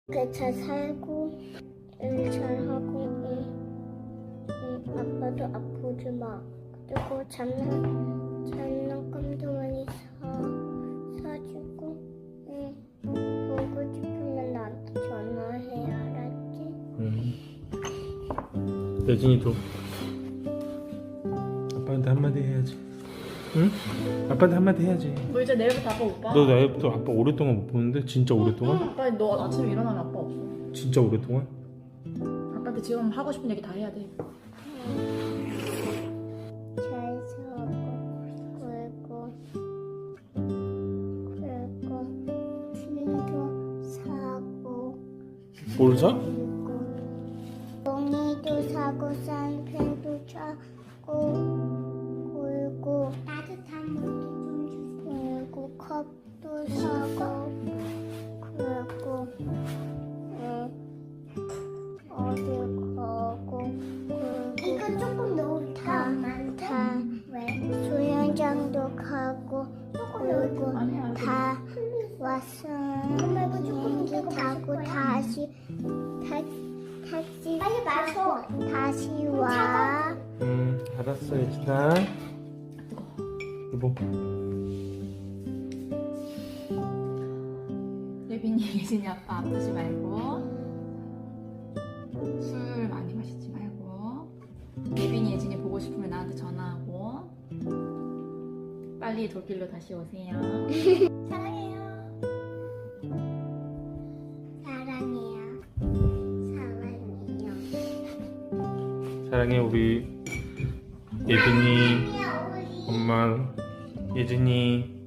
잘 살고 일 잘하고 아빠도 아프지 마. 그리고 장난감도 많이 사주고 보고 싶으면 나한테 전화해. 알았지? 예진이도 아빠한테 한마디 해야지. 응? 아빠한테 한마디 해야지. 너 이제 내일부터 아빠 못 봐. 너 나부터 아빠 오랫동안 못 보는데? 진짜 오랫동안? 아빠 너 아침에 일어나면 아빠 없어. 진짜 오랫동안? 아빠한테 지금 하고 싶은 얘기 다 해야 돼. 잘 사고 그리고 티도 사고 뭘 사? 종이도 사고 쌍펜도 사고 그리고 따뜻한 물도 좀 주세요. 그리고 컵도 사고 그리고 어디 가고 이거 조금 너무 다 수영장도 가고 그리고 다 왔어. 비행기 타고 택시 빨리 마셔. 다시 와. 알았어 예진아. 여보. 예빈이 예진이 아빠 아프지 말고 술 많이 마시지 말고 예빈이 예진이 보고 싶으면 나한테 전화하고 빨리 돌길로 다시 오세요. 사랑해요. 사랑해요. 사랑해요. 사랑해 우리 예빈이 사랑해요, 우리. 엄마 예진이.